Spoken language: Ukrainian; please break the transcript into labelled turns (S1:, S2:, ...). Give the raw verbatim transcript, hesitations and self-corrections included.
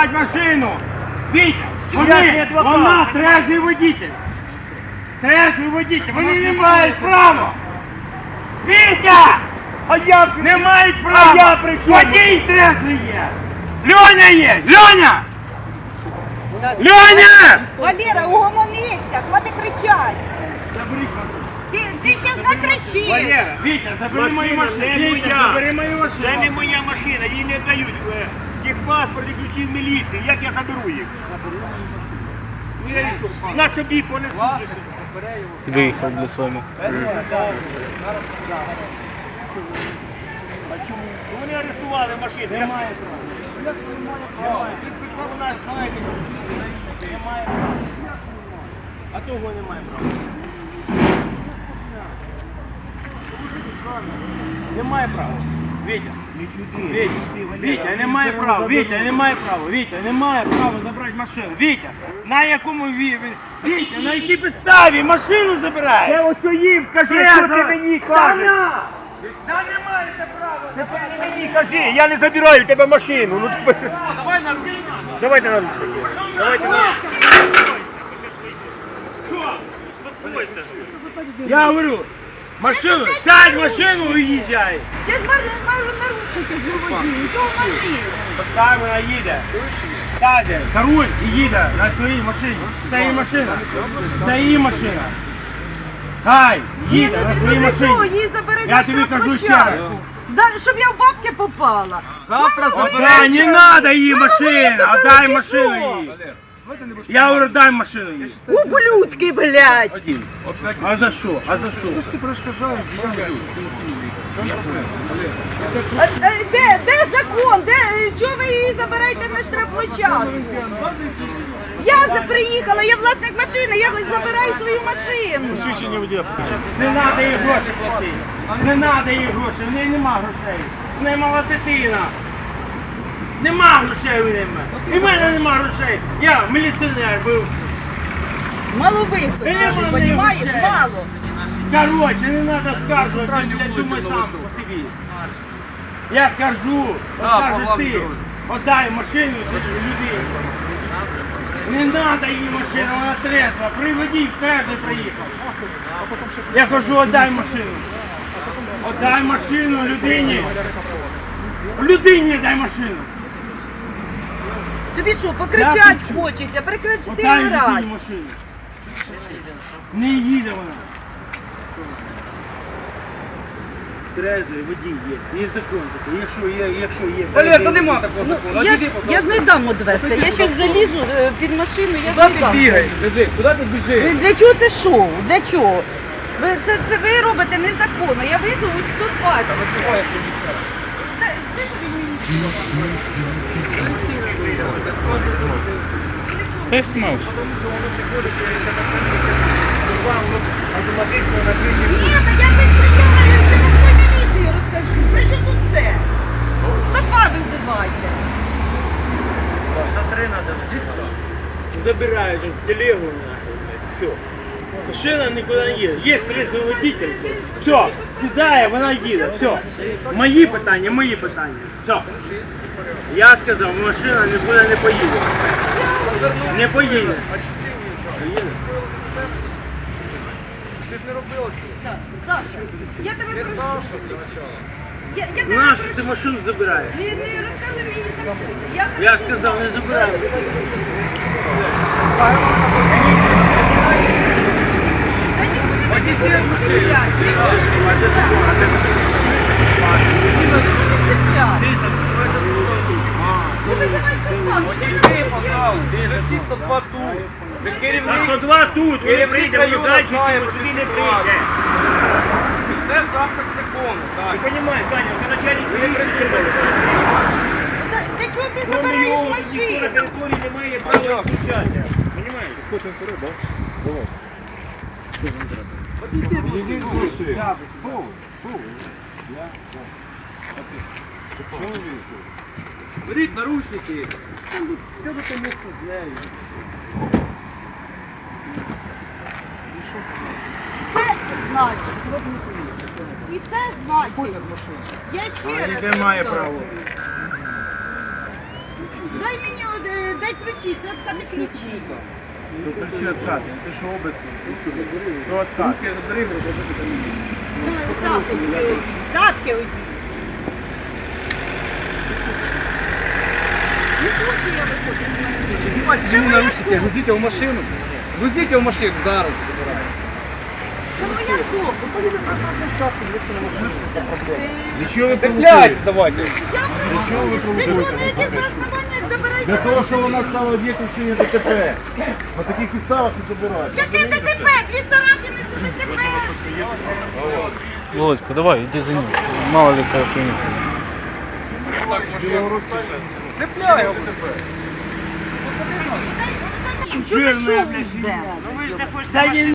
S1: забрати машину. Вітя, вони, вона трезвий водитель. Трезвий водитель, вони не мають права. Вітя!
S2: А я
S1: Не мають права!
S2: А я при чому?
S1: Водій трезвий є! Льоня є! Льоня! Льоня!
S3: Валера, угомонися, хвати кричать. Ти, ти щас накричиш.
S1: Валера, Вітя, забери мою машину.
S2: не
S1: Вітя,
S2: моя.
S1: забери мою машину.
S2: Це не моя машина, їй не дають е, техпаспорт і ключі в міліції. Як я заберу їх? Ну, я їх на собі понесу.
S4: Виїхав для своєму.
S2: Вони арестували машину. Немає права. Як це немає права? У нас, знаєте, немає права. А того немає права.
S1: Немає права. Вітя. Вітя, Вітя, немає права. Вітя, немає права. Вітя, немає права забрати машину. Вітя, на якому ві... Вітя, на якій підставі машину забирає?
S2: Це ось їм скажи, що ти мені кажеш?
S1: Та не маєте права.
S2: Тепер ти мені кажи, я не забираю в тебе машину. Ну, тепер...
S1: Давай на руки.
S2: Давайте на руки. Давайте на руки.
S1: Я говорю, машину, сядь в машину і їжджай.
S3: Щас нарушити водію, то вони.
S1: Поставимо, вона їде. Сяде, за руль і їде на своїй машині. Це її машина. Це її машина. Хай, їде на своїй
S3: Ну що,
S1: машині.
S3: її заберуть
S1: Я
S3: на
S1: тобі кажу ще
S3: штрафплощадку.
S1: раз.
S3: Да, щоб я в бабки попала.
S1: Завтра Отдай, не надо їй машину, отдай машину їй. Я говорю, дай машину їй.
S3: Ублюдки, блядь.
S1: А за що? А за що?
S3: А, е, Де, де закон? Де, чого ви її забираєте на штрафплощадку? Я за- приїхала, я власник машини, я забираю свою машину.
S1: Не треба їй гроші платити. Не треба їй гроші, в неї нема грошей. В неї мала дитина. Нема грошей у неї. І в мене нема грошей. Я міліціонер був.
S3: Мало висадити, понімаєш? Мало.
S1: Короче, не треба скаржувати, я думаю сам по собі. Я кажу, скажеш ти, отдай машину людині. Не треба їй машину, вона трезва. Приведіть, в трезвий приїхав. Я кажу, отдай машину. Отдай машину людині. Людині дай машину.
S3: Тобі що, покричать хочеться, прекрати
S1: Отдай
S3: грати.
S1: людині машину. Не їде вона. Трезвий водій є. Є закон такий. Якщо є, якщо є.
S2: Валер, то нема такого закону.
S3: Ну, я, ж, я ж не дам одвести, я зараз залізу е, під машину, я ж не дам.
S2: Скажи, куди ти біжиш?
S3: Ви- Для чого це шоу? Для чого? Ви, це, це ви робите незаконно, я визову сто двадцять. Та- де тобі мені?
S4: Ти смав.
S3: Ні, та я не прийняла, я чому в міліції розкажу. При чому тут це? сто два визивайте.
S1: Забирають в телегу, все. Машина нікуди не їде. Є трезвий водитель. Все, сідає, вона їде. Все. Мої питання, мої питання. Все. Я сказав, машина нікуди не поїде. Не поїде.
S3: Саша, я тебе прошу. Я, я тебе
S1: Нащо
S3: прошу.
S1: ти машину забираєш?
S3: Не, не розказуй мені закон. Я,
S1: Я сказав, не забирай.
S3: Та нікуди не буду цепляти. Ну визивай сто два.
S2: Всі сто два тут.
S1: На сто два тут, ви прийдемо далі, чи ви сюди не прийде.
S2: Все в рамках закону.
S1: Ти розумієш, Таня, це начальник міліції.
S3: Для чого ти
S1: Кроме
S3: забираєш
S1: його, ніхто на
S3: машину?
S1: території не має права включатися. Понимаєш?
S2: Беріть наручники.
S3: Це значить. І це значить. Я ще раз.
S1: Яке має
S3: кажу.
S1: право?
S3: Дай мені один Дай ключі, це откати ключі.
S2: Ключі откати. Ти що обицький? То откати.
S3: Давай, тапки одій. Тапки одій. Не хочу я виходити.
S2: Йому наручники, грузите в машину. Грузите в машину, зараз.
S3: Це моя копа.
S2: Нічого ви цепляйте, давайте.
S3: Я
S5: Чого ви
S3: Для чого
S5: провокуєте?
S3: на яких основаннях забираєте?
S5: Для того, що вона стала об'єктом вчинення ДТП. На таких підставах не забирають.
S3: Яке ДТП? Дві царапини це ДТП.
S4: Володька, давай, иди за ним. Мало ли какая хуйня.
S2: Цепляй.
S3: Чого ви що жде?
S1: Та він